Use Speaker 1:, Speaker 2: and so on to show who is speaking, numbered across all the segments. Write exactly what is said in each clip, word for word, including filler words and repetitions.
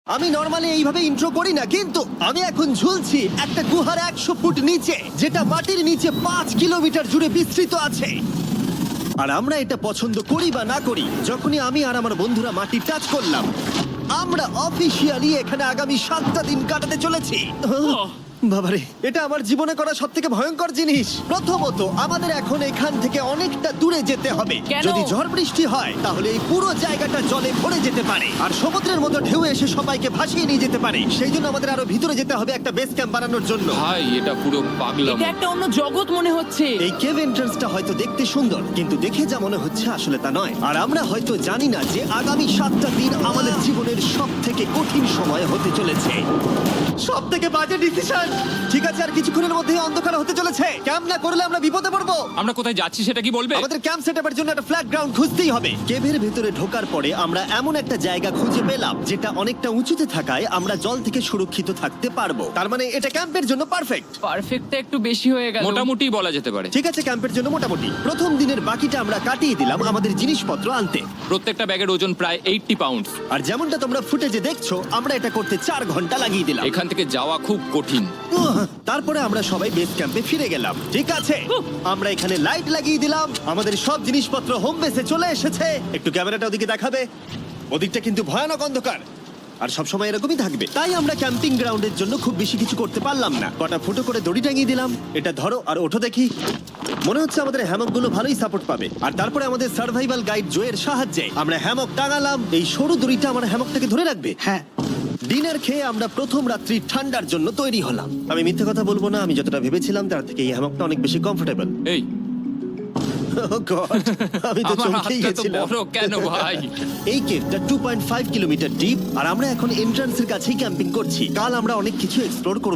Speaker 1: আমি নর্মালি এইভাবে ইন্ট্রো করি না, কিন্তু আমি এখন ঝুলছি একটা গুহার একশো ফুট নিচে, যেটা মাটির নিচে পাঁচ কিলোমিটার জুড়ে বিস্তৃত আছে। আর আমরা এটা পছন্দ করি বা না করি, যখনই আমি আর আমার বন্ধুরা মাটি টাচ করলাম, আমরা অফিসিয়ালি এখানে আগামী সাতটা দিন কাটাতে চলেছি। বাবারে, এটা আমার জীবনে করা সব থেকে ভয়ঙ্কর জিনিস। প্রথমত, আমাদের এখন এখান থেকে অনেকটা দূরে যেতে হবে।
Speaker 2: কেন?
Speaker 1: যদি ঝড় বৃষ্টি হয় তাহলে এই পুরো জায়গাটা জলে ভরে যেতে পারে, আর সমুদ্রের মতো ঢেউ এসে সবাইকে ভাসিয়ে নিয়ে যেতে পারে। সেই জন্য আমাদের আরো ভিতরে যেতে হবে একটা বেস ক্যাম্প বানানোর জন্য।
Speaker 3: ভাই এটা পুরো পাগলাম।
Speaker 2: এটা একটা অন্য জগৎ মনে হচ্ছে।
Speaker 1: এই কেভ এন্ট্রান্সটা হয়তো দেখতে সুন্দর, কিন্তু দেখে যা মনে হচ্ছে আসলে তা নয়। আর আমরা হয়তো জানি না যে আগামী সাতটা দিন আমাদের জীবনের সব থেকে কঠিন সময় হতে চলেছে। সব থেকে বাজে ডিসিশন। ঠিক আছে, আর কিছুক্ষণের মধ্যে অন্ধকার হতে চলেছে। ক্যাম্প না করলে আমরা বিপদে পড়বো।
Speaker 3: আমরা কোথায় যাচ্ছি সেটা কি বলবে?
Speaker 1: আমাদের ক্যাম্প সেটআপের জন্য একটা ফ্ল্যাট গ্রাউন্ড খুঁজতেই হবে। কেভের ভেতরে ঢোকার পরে আমরা এমন একটা জায়গা খুঁজে পেলাম যেটা অনেকটা উঁচুতে থাকায় আমরা জল থেকে সুরক্ষিত থাকতে পারবো। তার মানে এটা ক্যাম্পের জন্য পারফেক্ট।
Speaker 2: পারফেক্টটা একটু বেশি হয়ে গেল।
Speaker 3: মোটামুটি বলা যেতে পারে।
Speaker 1: ঠিক আছে, ক্যাম্পের জন্য মোটামুটি। প্রথম দিনের বাকিটা আমরা কাটিয়ে দিলাম আমাদের জিনিসপত্র আনতে।
Speaker 3: প্রত্যেকটা ব্যাগের ওজন প্রায় আশি পাউন্ড।
Speaker 1: আর যেমনটা তোমরা ফুটেজে দেখছো, আমরা এটা করতে চার ঘন্টা লাগিয়ে দিলাম।
Speaker 3: এখান থেকে যাওয়া খুব কঠিন।
Speaker 1: উহ, তারপরে আমরা সবাই বেস ক্যাম্পে ফিরে গেলাম। ঠিক আছে, আমরা এখানে লাইট লাগিয়ে দিলাম। আমাদের সব জিনিসপত্র হোম বেসে চলে এসেছে। একটু ক্যামেরাটা ওদিকে দেখাবে? ওদিকটা কিন্তু ভয়ানক অন্ধকার, আর সব সময় এরকমই থাকবে। তাই আমরা ক্যাম্পিং গ্রাউন্ডের জন্য খুব বেশি কিছু করতে পারলাম না। কটা ফুটো করে দড়ি টাঙিয়ে দিলাম। এটা ধরো আর ওঠো দেখি। মনে হচ্ছে আমাদের হ্যামকগুলো ভালোই সাপোর্ট পাবে। আর তারপরে আমাদের সার্ভাইভাল গাইড জোয়ের সাহায্যে আমরা হ্যামক টাঙালাম। এই সরু দড়িটা আমার হ্যামকটাকে ধরে রাখবে। হ্যাঁ। ডিনার খেয়ে আমরা প্রথম রাত্রি ঠান্ডার জন্য তৈরি হলাম। আমি মিথ্যে কথা বলবো না, আমি যতটা ভেবেছিলাম তার থেকে এই হ্যামকটা অনেক বেশি কমফোর্টেবল।
Speaker 3: এই
Speaker 1: আমি তো
Speaker 3: আমার
Speaker 1: চমকেই
Speaker 3: হাতটা তো
Speaker 1: গেছিলাম।
Speaker 3: বড় কেন ভাই?
Speaker 1: এই কেভটা two point five kilometre deep, আর আমরা এখন এন্ট্রান্সের কাছেই ক্যাম্পিং করছি। কাল আমরা অনেক কিছু এক্সপ্লোর করব।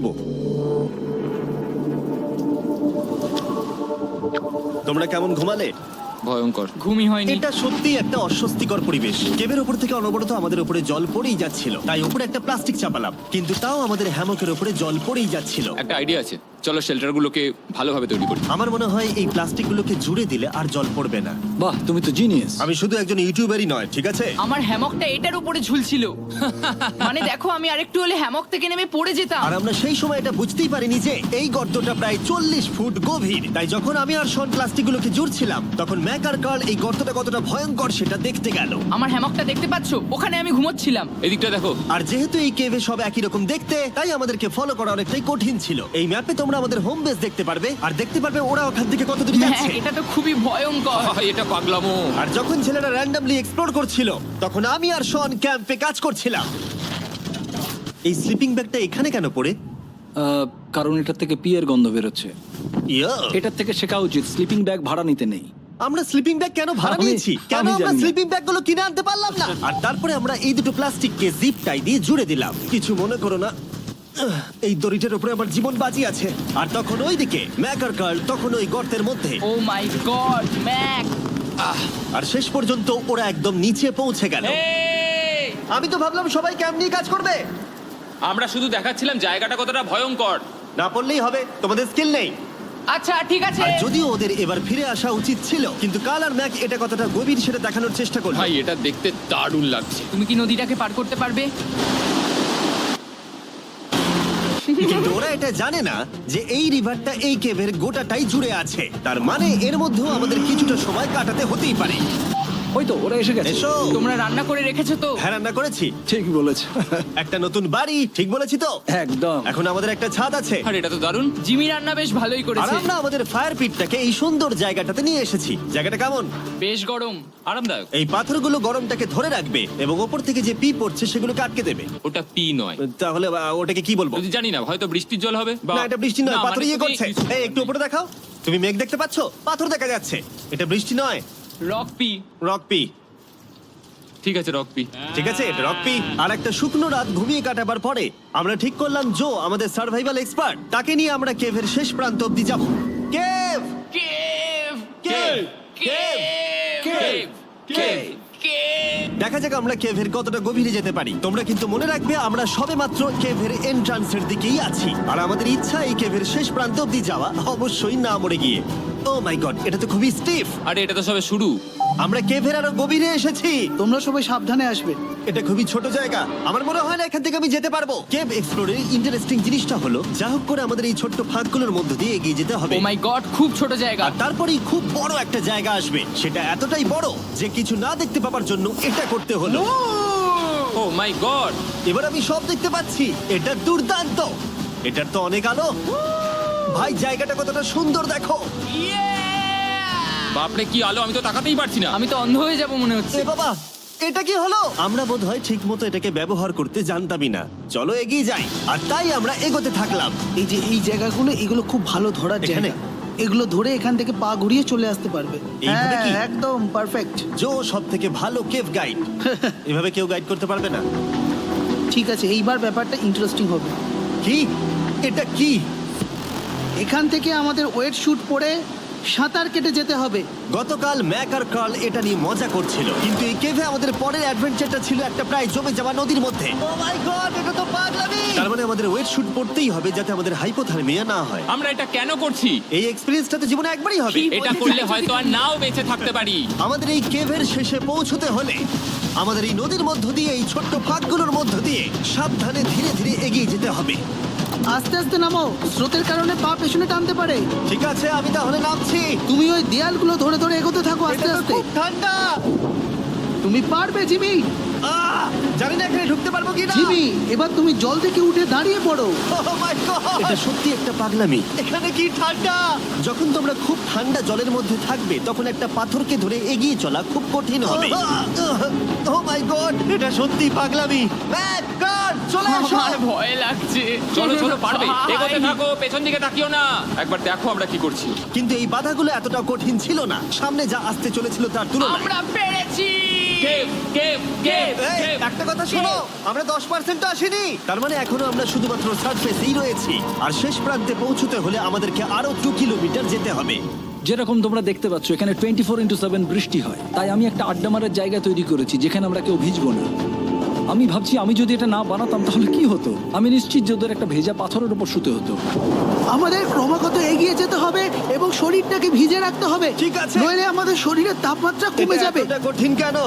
Speaker 1: তোমরা কেমন ঘুমালে?
Speaker 3: ভয়ঙ্কর।
Speaker 2: ঘুমই হয়নি।
Speaker 1: এটা সত্যি একটা অস্বস্তিকর পরিবেশ। কেবের উপর থেকে অনবরত আমাদের উপরে জল পড়েই যাচ্ছিল, তাই উপরে একটা প্লাস্টিক চাপালাম, কিন্তু তাও আমাদের হ্যামকের উপরে জল পড়েই যাচ্ছিল।
Speaker 3: একটা আইডিয়া আছে, চলো শেল্টারগুলোকে ভালোভাবে তৈরি করি।
Speaker 1: আমার মনে হয় এই প্লাস্টিকগুলোকে জুড়ে দিলে আর জল পড়বে না।
Speaker 4: বাহ, তুমি তো জিনিয়াস।
Speaker 1: আমি শুধু একজন ইউটিউবারই নয়, ঠিক আছে?
Speaker 2: আমার হ্যামকটা এটার উপরে ঝুলছিল। মানে দেখো, আমি আরেকটু হলে হ্যামক থেকে নেমে পড়ে যেতাম।
Speaker 1: আর আমরা সেই সময় এটা বুঝতেই পারিনি যে এই গর্তটা প্রায় চল্লিশ ফুট গভীর। তাই যখন আমি আর শন প্লাস্টিকগুলোকে জুড়ছিলাম, তখন ম্যাক আর কার্ল এই গর্তটা কতটা ভয়ঙ্কর সেটা দেখতে গেল।
Speaker 2: আমার হ্যামকটা দেখতে পাচ্ছো? ওখানে আমি ঘুমোচ্ছিলাম।
Speaker 3: এদিকটা দেখো।
Speaker 1: আর যেহেতু এই কেভে সব একই রকম দেখতে, তাই আমাদেরকে ফলো করা অনেকটাই কঠিন ছিল। এই ম্যাপে তোমরা আমাদের হোম বেস দেখতে পারবে, আর দেখতে পারবে ওরা ওখান থেকে কত দূরে
Speaker 2: হ্যাঁ,
Speaker 1: যাচ্ছে।
Speaker 2: এটা তো খুবই ভয়ঙ্কর।
Speaker 3: ভাই এটা পাগলামো।
Speaker 1: আর যখন ছেলেরা র্যান্ডমলি এক্সপ্লোর করছিল, তখন আমি আর শন ক্যাম্পে কাজ করছিলাম। এই স্লিপিং ব্যাগটা এখানে কেন পড়ে?
Speaker 4: আহ, কারণ এটার থেকে পিয়ের গন্ধ বেরোচ্ছে।
Speaker 1: ইয়া,
Speaker 4: এটার থেকে শেখা উচিত স্লিপিং ব্যাগ ভাড়া নিতে নেই।
Speaker 1: আমরা স্লিপিং ব্যাগ কেন ভাড়া
Speaker 4: আমি-
Speaker 1: নিয়েছি? কেন
Speaker 4: আমি
Speaker 1: আমরা
Speaker 4: জানি না।
Speaker 1: স্লিপিং ব্যাগগুলো কিনে আনতে পারলাম না? আর তারপরে আমরা এই দুটো প্লাস্টিককে জিপ টাই দিয়ে জুড়ে দিলাম। কিছু মনে করো না, আহ, এই দড়িটার উপরে আমার জীবন বাজি আছে। আর তখন ওইদিকে ম্যাক আর কার্ল তখন ওই গর্তের মধ্যে।
Speaker 2: ও মাই গড, ম্যাক!
Speaker 1: আর শেষ পর্যন্ত ওরা একদম নিচে পৌঁছে গেল।
Speaker 3: এই!
Speaker 1: আমি তো ভাবলাম সবাই ক্যাম্প নিয়ে কাজ করবে।
Speaker 3: আমরা শুধু দেখাচ্ছিলাম জায়গাটা কতটা ভয়ঙ্কর।
Speaker 1: না পড়লেই হবে, তোমাদের স্কিল নেই।
Speaker 2: আচ্ছা ঠিক আছে।
Speaker 1: আর যদিও ওদের এবার ফিরে আসা উচিত ছিল, কিন্তু কাল আর ম্যাক এটা কতটা গভীর সেটা দেখানোর চেষ্টা করলো।
Speaker 3: ভাই এটা দেখতে দারুণ লাগছে।
Speaker 2: তুমি কি নদীটাকে পার করতে পারবে?
Speaker 1: কিন্তু ওরা এটা জানে না যে এই রিভারটা এই কেভের গোটাটাই জুড়ে আছে। তার মানে এর মধ্যেও আমাদের কিছুটা সময় কাটাতে হতেই পারে।
Speaker 4: ওই তো ওরা এসে গেছে।
Speaker 1: এসো।
Speaker 2: তোমরা রান্না করে রেখেছো তো?
Speaker 1: হ্যাঁ, রান্না করেছি।
Speaker 4: ঠিক বলেছ।
Speaker 1: একটা নতুন বাড়ি, ঠিক বলেছি তো?
Speaker 4: একদম।
Speaker 1: এখন আমাদের একটা ছাদ আছে।
Speaker 3: আর এটা তো দারুণ।
Speaker 2: জিমি রান্না বেশ ভালোই
Speaker 1: আর
Speaker 2: করেছে।
Speaker 1: আমরা আমাদের ফায়ার পিটটাকে এই সুন্দর জায়গাটাতে নিয়ে এসেছি। জায়গাটা কেমন?
Speaker 2: বেশ গরম।
Speaker 3: আরামদায়ক।
Speaker 1: এই পাথরগুলো গরমটাকে ধরে রাখবে এবং ওপর থেকে যে পি পড়ছে সেগুলোকে আটকে দেবে।
Speaker 3: ওটা পি নয়।
Speaker 1: তাহলে আহ, ওটাকে কি বলবো?
Speaker 3: যদি জানি না, হয়তো বৃষ্টির জল হবে বা
Speaker 1: না, এটা বৃষ্টি নয়,
Speaker 3: না,
Speaker 1: পাথর
Speaker 3: মানে
Speaker 1: ইয়ে
Speaker 3: তুমি
Speaker 1: করছে।
Speaker 3: কিছু-
Speaker 1: এই একটু উপরে দেখাও। তুমি মেঘ দেখতে পাচ্ছো? পাথর দেখা যাচ্ছে। এটা বৃষ্টি নয়,
Speaker 2: রক পি।
Speaker 1: Rock P.
Speaker 3: ঠিক আছে, রক পি।
Speaker 1: ঠিক আছে, এটা রক পি। আর একটা শুকনো রাত ঘুমিয়ে কাটাবার পরে আমরা ঠিক করলাম জো আমাদের সার্ভাইভাল এক্সপার্ট, তাকে নিয়ে আমরা কেভের শেষ প্রান্ত অব্দি যাব। Cave
Speaker 2: cave!
Speaker 1: Cave
Speaker 2: cave!
Speaker 1: Cave cave
Speaker 2: cave!
Speaker 1: দেখা যাক আমরা কেভের কতটা গভীরে যেতে পারি। তোমরা কিন্তু মনে রাখবে আমরা সবেমাত্র কেভের এন্ট্রান্সের দিকেই আছি, আর আমাদের ইচ্ছা এই কেভের শেষ প্রান্ত অব্দি যাওয়া, অবশ্যই না মরে গিয়ে। ও মাই গড, এটা তো খুবই স্টিফ।
Speaker 3: আরে এটা তো সবে শুরু।
Speaker 1: আমরা কেভের আরো গভীরে এসেছি।
Speaker 5: তোমরা সবাই সাবধানে আসবে।
Speaker 1: এটা খুবই ছোট জায়গা, আমার মনে হয় না এখান থেকে আমি যেতে পারবো। কেভ এক্সপ্লোরের ইন্টারেস্টিং জিনিসটা হলো যা হোক করে আমাদের এই ছোট্ট ফাঁকগুলোর মধ্য দিয়ে এগিয়ে যেতে হবে।
Speaker 2: ও মাই গড, খুব ছোট জায়গা।
Speaker 1: আর তারপরেই খুব বড় একটা জায়গা আসবে, সেটা এতটাই বড় যে কিছু না দেখতে পাওয়ার জন্য এটা করতে হলো।
Speaker 3: Oh my god!
Speaker 1: এবার আমি সব দেখতে পাচ্ছি, এটা দুর্দান্ত। এটার তো অনেক আলো। ভাই জায়গাটা কতটা সুন্দর দেখো।
Speaker 3: বাপরে কি আলো, আমি তো তাকাতেই পারছি না।
Speaker 2: আমি তো অন্ধ হয়ে যাব মনে হচ্ছে।
Speaker 1: এ বাবা, এটা কি হলো? আমরা বোধহয় ঠিক মতো এটাকে ব্যবহার করতে জানতামই না। চলো এগিয়ে যাই। আর তাই আমরা এগোতে থাকলাম।
Speaker 5: এই যে এই জায়গাগুলো, এগুলো খুব ভালো ধরার
Speaker 1: এখানে?
Speaker 5: জায়গা। এগুলো ধরে এখান থেকে পা ঘুরিয়ে চলে আসতে পারবে।
Speaker 1: এইভাবে
Speaker 5: হ্যাঁ,
Speaker 1: কি?
Speaker 5: একদম পারফেক্ট।
Speaker 1: জো সব থেকে ভালো কেভ গাইড। এভাবে কেউ গাইড করতে পারবে না।
Speaker 5: ঠিক আছে, এইবার ব্যাপারটা ইন্টারেস্টিং হবে।
Speaker 1: কি? এটা কি?
Speaker 5: এখান থেকে আমাদের ওয়েট শুট পরে সাঁতার কেটে যেতে হবে।
Speaker 1: গতকাল ম্যাক আর কার্ল এটা নিয়ে মজা করছিল, কিন্তু এই কেভে আমাদের পরের অ্যাডভেঞ্চারটা ছিল একটা প্রায় জমে যাওয়া নদীর মধ্যে। ও মাই গড, এটা তো পাগলামি! তার মানে আমাদের ওয়েট শুট পড়তেই হবে যাতে আমাদের হাইপোথার্মিয়া না হয়।
Speaker 3: আমরা এটা কেন করছি?
Speaker 1: এই এক্সপেরিয়েন্সটা তো জীবনে একবারই হবে।
Speaker 2: কি?
Speaker 3: এটা করলে হয়তো আর নাও বেঁচে থাকতে পারি।
Speaker 1: আমাদের এই কেভের শেষে পৌঁছতে হলে আমাদের এই নদীর মধ্য দিয়ে, এই ছোট্ট ফাঁকগুলোর মধ্য দিয়ে সাবধানে ধীরে ধীরে এগিয়ে যেতে হবে।
Speaker 5: আস্তে আস্তে নামো, স্রোতের কারণে পা পেছনে টানতে পারে।
Speaker 1: ঠিক আছে, আমি তাহলে নামছি।
Speaker 5: তুমি ওই দেয়ালগুলো ধরে ধরে এগোতে থাকো আস্তে
Speaker 1: এটা তো
Speaker 5: আস্তে।
Speaker 1: খুব ঠান্ডা।
Speaker 5: তুমি পারবে জিমি।
Speaker 1: আহ! জানি না এখানে ঢুকতে পারবো কি না।
Speaker 5: জিমি, এবার তুমি জল থেকে উঠে দাঁড়িয়ে পড়ো।
Speaker 1: এটা সত্যি একটা পাগলামি। এখানে কি ঠান্ডা! যখন তোমরা খুব ঠান্ডা জলের মধ্যে থাকবে তখন একটা পাথরকে ধরে এগিয়ে চলা খুব কঠিন হবে। ও মাই গড, এটা সত্যি পাগলামি। ম্যাক, গড, চলে এসো।
Speaker 2: আমার ভয় লাগছে।
Speaker 3: চলো চলো, পারবে।
Speaker 2: ভাই।
Speaker 3: এগোতে থাকো, পেছন দিকে তাকিও না। একবার দেখো আমরা কি করছি।
Speaker 1: কিন্তু এই বাধাগুলো এতটা কঠিন ছিল না সামনে যা আসতে চলেছিল তার তুলনায়।
Speaker 2: আমরা পেরেছি।
Speaker 3: কেভ কেভ কেভ
Speaker 1: এই,
Speaker 3: কেভ।
Speaker 1: একটা কথা শোনো, আমরা দশ পার্সেন্ট আসিনি। তার মানে এখনো আমরা শুধুমাত্র সার্ফেসেই রয়েছি, আর শেষ প্রান্তে পৌঁছতে হলে আমাদেরকে আরো দু কিলোমিটার যেতে হবে।
Speaker 4: যেরকম তোমরা দেখতে পাচ্ছ এখানে টোয়েন্টি ফোর ইন্টু সেভেন বৃষ্টি হয়, তাই আমি একটা আড্ডা মারার জায়গা তৈরি করেছি যেখানে আমরা কেউ ভিজবো না। আমি ভাবছি আমি যদি এটা না বানাতাম তাহলে কি হতো। আমি নিশ্চিত যে ওদের একটা ভেজা পাথরের উপর শুতে হতো।
Speaker 5: আমাদের ক্রমাগত এগিয়ে যেতে হবে এবং শরীরটাকে ভিজে রাখতে হবে।
Speaker 1: ঠিক আছে।
Speaker 5: নইলে আমাদের শরীরের তাপমাত্রা কমে
Speaker 1: এটা
Speaker 5: যাবে।
Speaker 1: এতটা কঠিন কেন?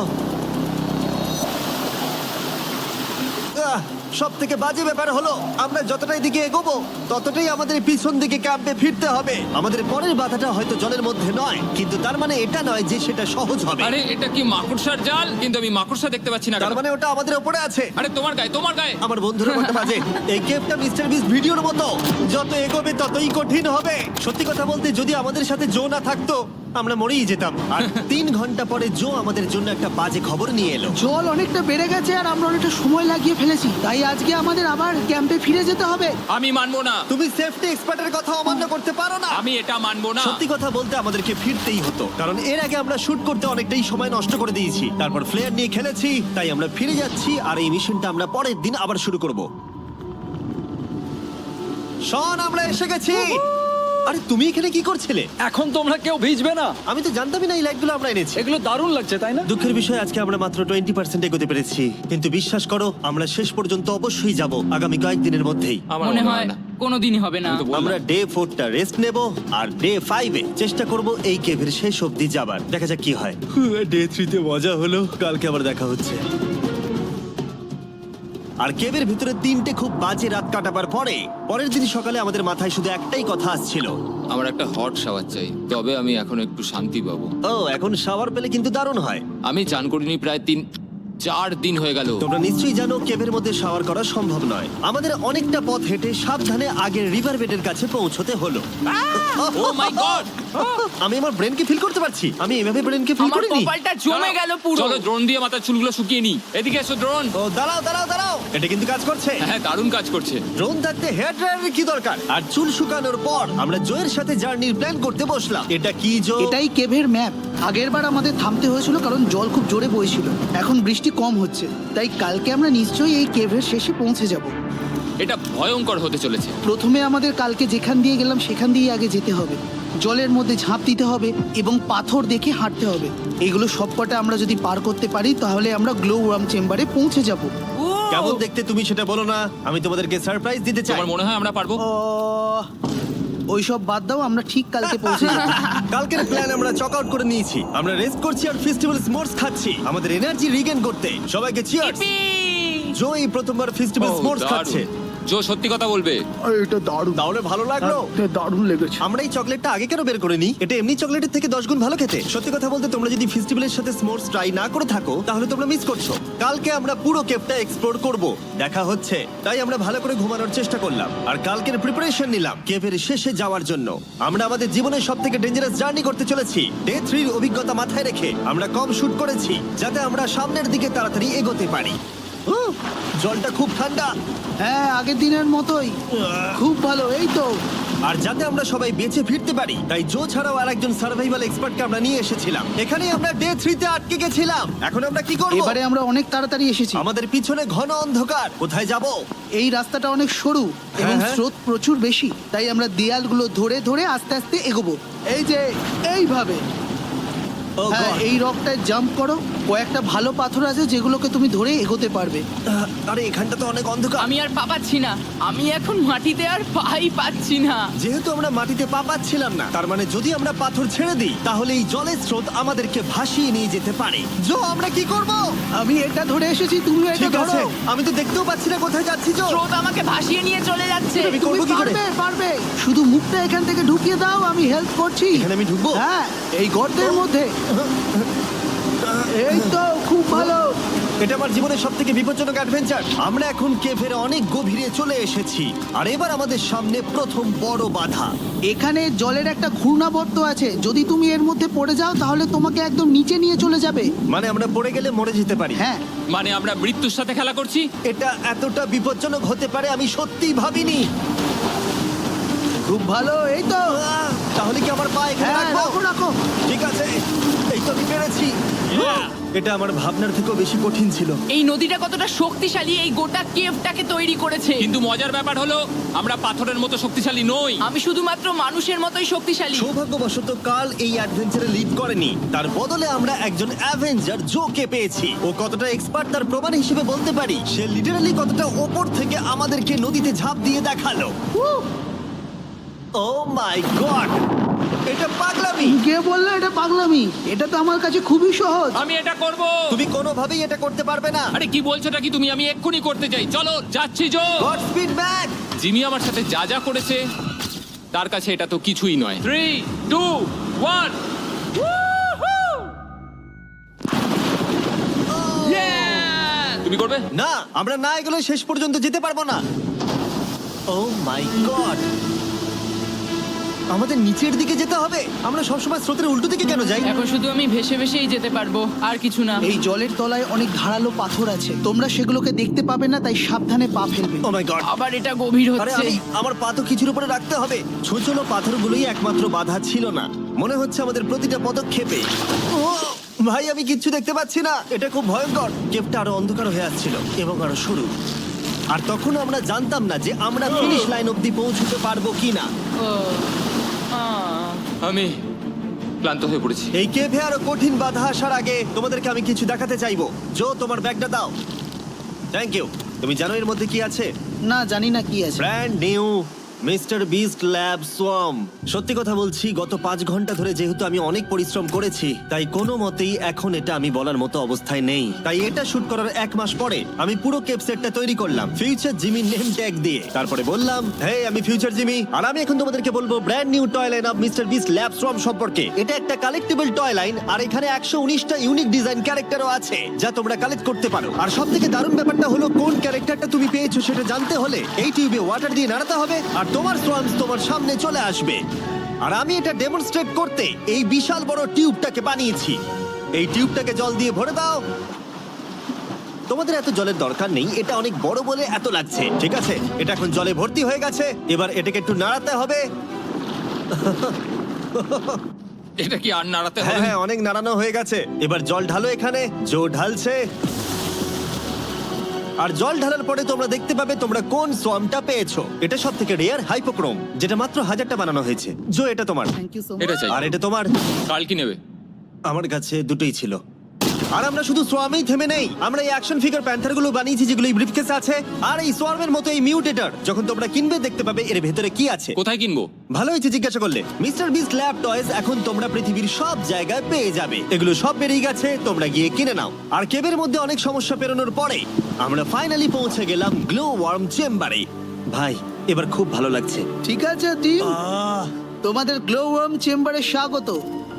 Speaker 1: সব থেকে বাজে ব্যাপার হলো আমরা যতটাই দিকে এগোবো ততটাই আমাদের পিছন দিকে ক্যাম্পে ফিরতে হবে। আমাদের পরের বাধাটা হয়তো জলের মধ্যে নয়, কিন্তু তার মানে এটা নয় যে সেটা সহজ হবে।
Speaker 3: আরে এটা কি মাকড়সার জাল? কিন্তু আমি মাকড়সা দেখতে পাচ্ছি না
Speaker 1: তার
Speaker 3: কেন?
Speaker 1: মানে ওটা আমাদের উপরে আছে।
Speaker 3: আরে তোমার গায়ে, তোমার গায়ে।
Speaker 1: আমার বন্ধুরা বলতে বাজে, এই গেমটা মিস্টার বিস ভিডিওর মতো, যত এগোবে ততই কঠিন হবে। সত্যি কথা বলতে যদি আমাদের সাথে জো না থাকতো আমরা মরেই যেতাম। আর তিন ঘন্টা পরে জো আমাদের জন্য একটা বাজে খবর নিয়ে এলো।
Speaker 5: জল অনেকটা বেড়ে গেছে আর আমরা অনেকটা সময় লাগিয়ে ফেলেছি, তাই আজকে আমাদের আবার ক্যাম্পে ফিরে যেতে হবে।
Speaker 3: আমি মানবো না।
Speaker 1: তুমি সেফটি এক্সপার্টের কথা অমান্য করতে পারো না।
Speaker 3: আমি এটা মানবো না।
Speaker 1: সত্যি কথা বলতে আমাদেরকে ফিরতেই হতো, কারণ এর আগে আমরা শুট করতে অনেকটাই সময় নষ্ট করে দিয়েছি, তারপর ফ্লেয়ার নিয়ে খেলেছি, তাই আমরা ফিরে যাচ্ছি আর এই মিশনটা আমরা পরের দিন আবার শুরু করব। শন, আমরা এসে গেছি। আরে তুমি এখানে কি করছিলে?
Speaker 4: এখন তোমরা কেউ ভিজবে না।
Speaker 1: আমি তো জানতামই না এই লাইটগুলো আমরা এনেছি।
Speaker 4: এগুলো দারুণ লাগছে তাই না?
Speaker 1: দুঃখের বিষয় আজকে আমরা মাত্র টোয়েন্টি পার্সেন্ট এগোতে পেরেছি, কিন্তু বিশ্বাস করো আমরা শেষ পর্যন্ত অবশ্যই যাব আগামী কয়েকদিনের মধ্যেই।
Speaker 3: আমার
Speaker 2: মনে হয় কোনোদিনই হবে না।
Speaker 3: আমি তো বললাম।
Speaker 1: আমরা ডে ফোরটা রেস্ট নেব আর ডে ফাইভে চেষ্টা করব এই কেভের শেষ অবধি যাবার। দেখা যাক কি হয়। ডে থ্রিতে মজা হলো, কালকে আবার দেখা হচ্ছে। আর কেভের ভিতরে তিনটে খুব বাজে রাত কাটাবার পরে পরের দিন সকালে আমাদের মাথায় শুধু একটাই কথা আসছিল,
Speaker 3: আমার একটা হট শাওয়ার চাই, তবে আমি এখন একটু শান্তি পাবো।
Speaker 1: ও এখন শাওয়ার পেলে কিন্তু দারুণ হয়।
Speaker 3: আমি চান করিনি প্রায় তিন চার দিন হয়ে গেল।
Speaker 1: তোমরা নিশ্চয়ই জানো কেভের মধ্যে শাওয়ার করা সম্ভব নয়। আমাদের অনেকটা পথ হেঁটে সাবধানে আগের রিভার বেডের কাছে পৌঁছতে হলো।
Speaker 3: Oh my god!
Speaker 1: আমি আমার ব্রেনকে ফিল করতে পারছি। আমি এভাবে ব্রেনকে ফিল
Speaker 2: আমার
Speaker 1: করিনি।
Speaker 2: কপালটা জমে গেল পুরো।
Speaker 3: চলো ড্রোন দিয়ে মাথার চুলগুলো শুকিয়ে নি। এদিকে এসো ড্রোন।
Speaker 1: ও দাঁড়াও দাঁড়াও দাঁড়াও, এটা কিন্তু কাজ করছে।
Speaker 3: হ্যাঁ, দারুণ কাজ করছে।
Speaker 1: ড্রোন থাকতে হেয়ার ড্রায়ারের কি দরকার? আর চুল শুকানোর পর আমরা জয়ের সাথে জার্নির প্ল্যান করতে বসলাম। এটা কি জো?
Speaker 5: এটাই কেভের ম্যাপ। আগেরবার আমাদের থামতে হয়েছিল কারণ জল খুব জোরে বইছিল। এখন বৃষ্টি কম হচ্ছে, তাই কালকে আমরা নিশ্চয়ই এই কেভের শেষে পৌঁছে যাব।
Speaker 3: এটা ভয়ঙ্কর হতে চলেছে।
Speaker 5: প্রথমে আমাদের কালকে যেখান দিয়ে গেলাম সেখান দিয়ে আগে যেতে হবে। জলের মধ্যে ঝাঁপ দিতে হবে এবং পাথর দেখে হাঁটতে হবে। এগুলো সবকটা আমরা যদি পার করতে পারি তাহলে আমরা গ্লো ওয়ার্ম চেম্বারে পৌঁছে যাব।
Speaker 1: কেমন দেখতে তুমি সেটা বলো না, আমি তোমাদেরকে সারপ্রাইজ দিতে চাই।
Speaker 3: তোমার মনে হয় আমরা পারবো?
Speaker 5: ও ওইসব বাদ দাও, আমরা ঠিক কালকে পৌঁছে যাবো।
Speaker 1: কালকের প্ল্যান আমরা চক আউট করে নিয়েছি। আমরা রেস্ট করছি আর ফেস্টিভ্যাল স্মোর্টস খাচ্ছি আমাদের এনার্জি রিগেন করতে। সবাইকে চিয়ার্স।
Speaker 2: Yippee!
Speaker 1: জো এই প্রথমবার ফেস্টিভ্যাল
Speaker 3: ও,
Speaker 1: স্মোর্টস
Speaker 3: দারুণ।
Speaker 1: খাচ্ছে।
Speaker 3: জো সত্যি কথা বলবে।
Speaker 5: এটা দারুণ,
Speaker 1: তাহলে ভালো লাগলো?
Speaker 5: দারুণ লেগেছে।
Speaker 1: আমরা এই চকলেটটা আগে কেন বের করে নিই? এটা এমনি চকলেটের থেকে দশ গুণ ভালো খেতে। সত্যি কথা বলতে তোমরা যদি ফেস্টিভ্যালের সাথে স্মোর্টস ট্রাই না করে থাকো তাহলে তোমরা মিস করছো। কালকে আমরা পুরো কেপটা এক্সপ্লোর করব, দেখা হচ্ছে। তাই আমরা ভালো করে ঘুমানোর চেষ্টা করলাম আর কালকের প্রিপারেশন নিলাম কেভের শেষে যাওয়ার জন্য। আমরা আমাদের জীবনের সব থেকে ডেঞ্জারাস জার্নি করতে চলেছি। ডে থ্রির অভিজ্ঞতা মাথায় রেখে আমরা কম শুট করেছি যাতে আমরা সামনের দিকে তাড়াতাড়ি এগোতে পারি। উহ, জলটা খুব ঠান্ডা
Speaker 5: হ্যাঁ, আগের দিনের মতোই খুব ভালো। এই তো
Speaker 1: আর যাতে আমরা সবাই বেঁচে ফিরতে পারি তাই জো ছাড়াও আরেকজন সার্ভাইভাল এক্সপার্টকে আমরা নিয়ে এসেছিলাম। এখানে আমরা ডে থ্রিতে আটকে গেছিলাম। এখন আমরা কি করব?
Speaker 5: এবারে আমরা অনেক তাড়াতাড়ি এসেছি।
Speaker 1: আমাদের পিছনে ঘন অন্ধকার, কোথায় যাব?
Speaker 5: এই রাস্তাটা অনেক সরু এবং
Speaker 1: হ্যাঁ।
Speaker 5: স্রোত প্রচুর বেশি, তাই আমরা দেয়ালগুলো ধরে ধরে আস্তে আস্তে এগোবো। এই যে এইভাবে।
Speaker 1: ও
Speaker 5: হ্যাঁ,
Speaker 1: God!
Speaker 5: এই রকটায় জাম্প করো। কয়েকটা ভালো পাথর আছে যেগুলোকে তুমি ধরে এগোতে পারবে।
Speaker 1: আহ, আরে এখানটা তো অনেক অন্ধকার।
Speaker 2: আমি আর পা পাচ্ছি না, আমি এখন মাটিতে আর পাই পাচ্ছি না।
Speaker 1: যেহেতু আমরা মাটিতে পা পাচ্ছিলাম না, তার মানে যদি আমরা পাথর ছেড়ে দিই তাহলে এই জলের স্রোত আমাদেরকে ভাসিয়ে নিয়ে যেতে পারে। জো, আমরা কি করব?
Speaker 5: আমি এটা ধরে এসেছি, তুমি এটা
Speaker 1: ঠিক আছে,
Speaker 5: ধরো।
Speaker 1: আমি তো দেখতেও পাচ্ছি না কোথায় যাচ্ছি। জো,
Speaker 2: স্রোত আমাকে ভাসিয়ে নিয়ে চলে যাচ্ছে।
Speaker 1: আমি
Speaker 5: তুমি
Speaker 1: করবো কি করে?
Speaker 5: পারবে, পারবে। শুধু মুখটা এখান থেকে ঢুকিয়ে দাও, আমি হেল্প করছি।
Speaker 1: এখানে আমি ঢুকবো?
Speaker 5: হ্যাঁ, এই গর্তের মধ্যে। এই তো, খুব ভালো।
Speaker 1: এটা আমার জীবনের সব থেকে বিপজ্জনক অ্যাডভেঞ্চার। আমরা এখন কেভের অনেক গভীরে চলে এসেছি আর এবার আমাদের সামনে প্রথম বড় বাধা।
Speaker 5: এখানে জলের একটা ঘূর্ণাবর্ত আছে, যদি তুমি এর মধ্যে পড়ে যাও তাহলে তোমাকে একদম নিচে নিয়ে চলে যাবে।
Speaker 1: মানে আমরা পড়ে গেলে মরে যেতে পারি।
Speaker 5: হ্যাঁ,
Speaker 3: মানে আমরা মৃত্যুর সাথে খেলা করছি।
Speaker 1: এটা এতটা বিপজ্জনক হতে পারে আমি সত্যিই ভাবিনি।
Speaker 5: খুব ভালো। এই তো,
Speaker 1: আহ, তাহলে কি আমার পা এখানে
Speaker 5: হ্যাঁ,
Speaker 1: রাখবো?
Speaker 5: রাখো রাখো।
Speaker 1: ঠিক আছে, এই তো আমি পেরেছি।
Speaker 3: Yeah!
Speaker 1: এটা আমার ভাবনার থেকেও বেশি কঠিন ছিল।
Speaker 2: এই নদীটা কতটা শক্তিশালী এই গোটা কেভটাকে তৈরি করেছে।
Speaker 3: কিন্তু মজার ব্যাপার হলো আমরা পাথরের মতো শক্তিশালী নই।
Speaker 2: আমি শুধুমাত্র মানুষের মতোই শক্তিশালী।
Speaker 1: সৌভাগ্যবশত কাল এই অ্যাডভেঞ্চারে লিড করেনি, তার বদলে আমরা একজন অ্যাভেঞ্জার জোকে পেয়েছি। ও কতটা এক্সপার্ট তার প্রমাণ হিসেবে বলতে পারি। সে লিটারালি কতটা ওপর থেকে আমাদেরকে নদীতে ঝাঁপ দিয়ে দেখালো। ও মাই গড, এটা পাগলামি।
Speaker 5: কে বললো এটা পাগলামি? এটা তো আমার কাছে খুবই সহজ।
Speaker 3: আমি এটা করব।
Speaker 1: তুমি কোনোভাবেই এটা করতে পারবে না।
Speaker 3: আরে কি বলছোটা কি তুমি? আমি এক্ষুনি করতে চাই। চলো যাচ্ছি Joe.
Speaker 1: Godspeed back.
Speaker 3: Jimmy আমার সাথে যা যা করেছে তার কাছে এটা তো কিছুই নয়। Three two one. তুমি করবে?
Speaker 1: না, আমরা না এগুলো শেষ পর্যন্ত যেতে পারবো না। ও মাই গড, আমাদের নিচের দিকে যেতে হবে। আমরা সবসময় স্রোতের উল্টো দিকে কেন যাই?
Speaker 2: এখন শুধু আমি ভেসে ভেসেই যেতে পারবো, আর কিছু না।
Speaker 5: এই জলের তলায় অনেক ধারালো পাথর আছে, তোমরা সেগুলোকে দেখতে পাবে না, তাই সাবধানে পা ফেলবে।
Speaker 1: ও মাই গড,
Speaker 2: আবার এটা গভীর
Speaker 1: আরে
Speaker 2: হচ্ছে।
Speaker 1: আমি আমার পা তো কিছুর উপরে রাখতে হবে। ছোট ছোট পাথরগুলোই একমাত্র বাধা ছিল না, মনে হচ্ছে আমাদের প্রতিটা পদক্ষেপে। ও ভাই, আমি কিচ্ছু দেখতে পাচ্ছি না। এটা খুব ভয়ঙ্কর। কেপটা আরো অন্ধকার হয়ে আসছিল এবং আরো সরু। আর তখন আমরা জানতাম না যে আমরা ফিনিশ লাইন অবধি পৌঁছতে পারবো কিনা।
Speaker 2: ও, আহ।
Speaker 3: আমি ক্লান্ত হয়ে পড়েছি।
Speaker 1: এই কেভে আরো কঠিন বাধা আসার আগে তোমাদেরকে আমি কিছু দেখাতে চাইবো। জো, তোমার ব্যাগটা দাও। Thank you. তুমি জানো এর মধ্যে কি আছে?
Speaker 5: না, জানি না কি আছে।
Speaker 1: Brand new Mister Beast lab swarm. সত্যি কথা বলছি, গত পাঁচ ঘন্টা ধরে যেহেতু আমি অনেক পরিশ্রম করেছি, তাই কোনো মতেই এখন এটা আমি বলার মতো অবস্থায় নেই। তাই এটা শুট করার এক মাস পরে আমি পুরো কেপ সেটটা তৈরি করলাম ফিউচার জিমি নেম ট্যাগ দিয়ে। তারপরে বললাম, হে, আমি ফিউচার জিমি, আর আমি এখন তোমাদেরকে বলবো brand new toy line of Mister Beast lab swarm সম্পর্কে। এটা একটা কালেক্টেবল টয় লাইন, আর এখানে একশো উনিশটা ইউনিক ডিজাইন ক্যারেক্টারও আছে যা তোমরা কালেক্ট করতে পারো। আর সব থেকে দারুণ ব্যাপারটা হলো, কোন ক্যারেক্টারটা তুমি পেয়েছো সেটা জানতে হলে এই টিউবে ওয়াটার দিয়ে নাড়াতে হবে আর তোমার সোয়ামস তোমার সামনে চলে আসবে। আর আমি এটা ডেমনস্ট্রেট করতে এই বিশাল বড় টিউবটাকে বানিয়েছি। এই টিউবটাকে জল দিয়ে ভরে দাও। তোমাদের এত জলের দরকার নেই, এটা অনেক বড় বলে এত লাগছে। ঠিক আছে, এটা এখন জলে ভর্তি হয়ে গেছে। এবার এটাকে একটু নাড়াতে হবে।
Speaker 3: এটা কি আর নাড়াতে
Speaker 1: হ্যাঁ
Speaker 3: হবে?
Speaker 1: হ্যাঁ, অনেক নাড়ানো হয়ে গেছে। এবার জল ঢালো এখানে। জো ঢালছে। আর জল ঢালার পরে তোমরা দেখতে পাবে তোমরা কোন সোয়ামটা পেয়েছো। এটা সব থেকে রেয়ার হাইপোক্রোম, যেটা মাত্র হাজারটা বানানো হয়েছে। জো, এটা তোমার।
Speaker 5: থ্যাংক ইউ সো
Speaker 3: এটা
Speaker 5: মাচ।
Speaker 3: চাই।
Speaker 1: আর এটা তোমার।
Speaker 3: কাল কি নেবে?
Speaker 1: আমার কাছে দুটোই ছিল। আর আমরা শুধু সোয়ামেই থেমে নেই, আমরা এই অ্যাকশন ফিগার প্যান্থার গুলো বানিয়েছি যেগুলো এই ব্রিফকেসে আছে, আর এই সোয়ার্মের মতো এই মিউটেটর। যখন তোমরা কিনবে দেখতে পাবে এর ভেতরে কি আছে।
Speaker 3: কোথায় কিনবো?
Speaker 1: ভালো হয়েছে জিজ্ঞাসা করলে। মিস্টার বিস্ট ল্যাব টয়েস এখন তোমরা পৃথিবীর সব জায়গায় পেয়ে যাবে। এগুলো সব বেরিয়ে গেছে, তোমরা গিয়ে কিনে নাও। আর কেবের মধ্যে অনেক সমস্যা পেরোনোর পরে আমরা ফাইনালি পৌঁছে গেলাম গ্লো ওয়ার্ম চেম্বারে। ভাই এবার খুব ভালো লাগছে।
Speaker 5: ঠিক আছে টিম,
Speaker 1: আহ,
Speaker 5: তোমাদের গ্লো ওয়ার্ম চেম্বারে স্বাগত।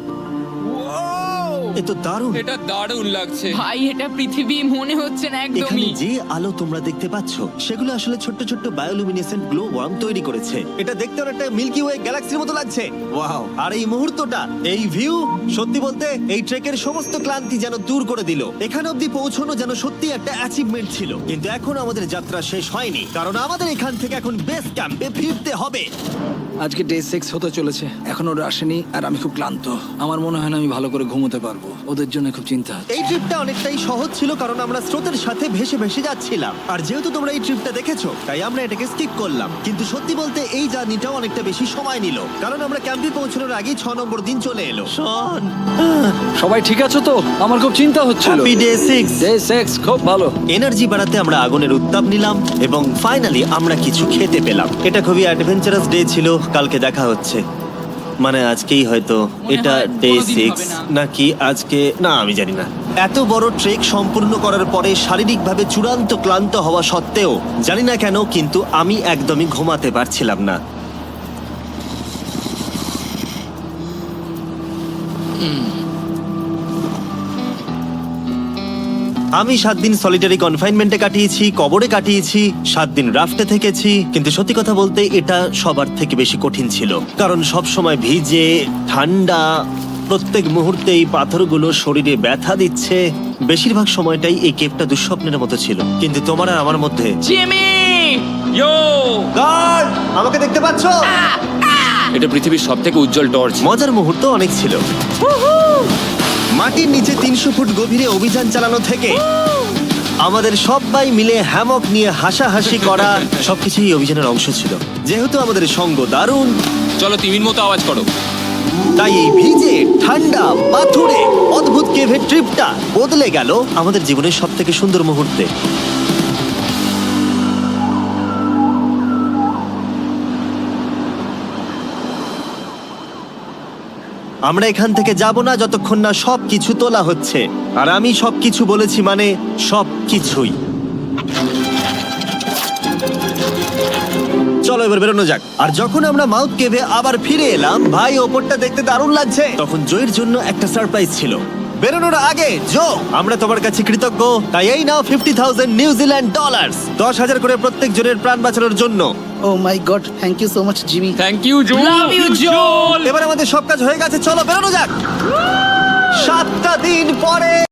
Speaker 1: এ তো দারুণ।
Speaker 3: এটা দারুণ লাগছে।
Speaker 2: ভাই এটা পৃথিবী মনে হচ্ছে না
Speaker 1: এখানে
Speaker 2: একদমই।
Speaker 1: যে আলো তোমরা দেখতে পাচ্ছ সেগুলো আসলে ছোট্ট ছোট্ট বায়োলুমিনেসেন্ট গ্লো ওয়ার্ম তৈরি করেছে। এটা দেখতে অনেকটা মিল্কি ওয়ে গ্যালাক্সির মতো লাগছে। ওয়াও! আর এই মুহূর্তটা, এই ভিউ, সত্যি বলতে এই ট্রেকের সমস্ত ক্লান্তি যেন দূর করে দিল। এখানে অবধি পৌঁছানো যেন সত্যি একটা অ্যাচিভমেন্ট ছিল। কিন্তু এখন আমাদের যাত্রা শেষ হয়নি, কারণ আমাদের এখান থেকে এখন বেস ক্যাম্পে ফিরতে হবে।
Speaker 4: আজকে ডে সিক্স হতে চলেছে, এখনো ওরা আসেনি আর আমি খুব ক্লান্ত। আমার মনে হয় না আমি ভালো করে ঘুমোতে পারবো, ওদের জন্য খুব চিন্তা হচ্ছে।
Speaker 1: এই ট্রিপটা অনেকটাই সহজ ছিল কারণ আমরা স্রোতের সাথে ভেসে ভেসে যাচ্ছিলাম। আর যেহেতু তোমরা এই ট্রিপটা দেখেছো তাই আমরা এটাকে স্কিপ করলাম। কিন্তু সত্যি বলতে এই জার্নিটাও অনেকটা বেশি সময় নিল, কারণ আমরা ক্যাম্পে পৌঁছানোর আগেই ছ নম্বর দিন চলে এলো। শন,
Speaker 4: সবাই ঠিক আছে তো? আমার খুব চিন্তা হচ্ছিল।
Speaker 1: Happy day six.
Speaker 4: Day six খুব ভালো।
Speaker 1: এনার্জি বাড়াতে আমরা আগুনের উত্তাপ নিলাম এবং ফাইনালি আমরা কিছু খেতে পেলাম। এটা খুবই অ্যাডভেঞ্চারাস ডে ছিল। কালকে দেখা হচ্ছে, মানে আজকেই হয়তো। এটা
Speaker 2: হয়
Speaker 1: ডে
Speaker 2: কোনোদিন
Speaker 1: সিক্স
Speaker 2: হবে না।
Speaker 1: নাকি আজকে, না আমি জানি না। এত বড় ট্রেক সম্পূর্ণ করার পরে শারীরিকভাবে চূড়ান্ত ক্লান্ত হওয়া সত্ত্বেও জানি না কেন কিন্তু আমি একদমই ঘুমাতে পারছিলাম না। আমি সাত দিন সলিটারি কনফাইনমেন্টে কাটিয়েছি, কবরে কাটিয়েছি, সাত দিন রাফটে থেকেছি। কিন্তু সত্যি কথা বলতে এটা সবার থেকে বেশি কঠিন ছিল, কারণ সব সময় ভিজে, ঠান্ডা, প্রত্যেক মুহূর্তে এই পাথরগুলো শরীরে ব্যথা দিচ্ছে। বেশিরভাগ সময়টাই এই কেপটা দুঃস্বপ্নের মতো ছিল। কিন্তু তোমার আর আমার মধ্যে
Speaker 2: জিমি!
Speaker 3: ইয়ো!
Speaker 1: গার্ড, আমাকে দেখতে পাচ্ছ?
Speaker 3: এটা পৃথিবীর সবথেকে উজ্জ্বল টর্চ।
Speaker 1: মজার মুহূর্ত অনেক ছিল। মাটির নিচে তিনশো ফুট গভীরে অভিযান চালানো থেকে আমাদের সবাই মিলে হ্যামক নিয়ে হাসাহাসি করা সবকিছুই এই অভিযানের অংশ ছিল। যেহেতু আমাদের সঙ্গ দারুণ,
Speaker 3: চলো তিমির মতো আওয়াজ করো।
Speaker 1: তাই এই ভিজে, ঠান্ডা, পাথুরে অদ্ভুত কেভের ট্রিপটা বদলে গেল আমাদের জীবনের সব থেকে সুন্দর মুহূর্তে। আমরা এখান থেকে যাব না যতক্ষণ না সবকিছু তোলা হচ্ছে। আর আমি সবকিছু বলেছি মানে সবকিছুই। চলো এবার বেরোনো যাক। আর যখন আমরা মাউথ কেভে আবার ফিরে এলাম, ভাই ওপরটা দেখতে দারুণ লাগছে। তখন জয়ের জন্য একটা সারপ্রাইজ ছিল। বেরোনোর আগে জো, আমরা তোমার কাছে কৃতজ্ঞ। তাই এই নাও ফিফটি থাউজেন্ড নিউজিল্যান্ড ডলার্স, দশ হাজার করে প্রত্যেক জনের প্রাণ বাঁচানোর জন্য।
Speaker 5: Oh my god, thank you so much Jimmy.
Speaker 3: Thank you Joel.
Speaker 2: Love you Joel!
Speaker 1: এবার আমাদের সব কাজ হয়ে গেছে, চলো বেরোনো যাক। সাতটা দিন পরে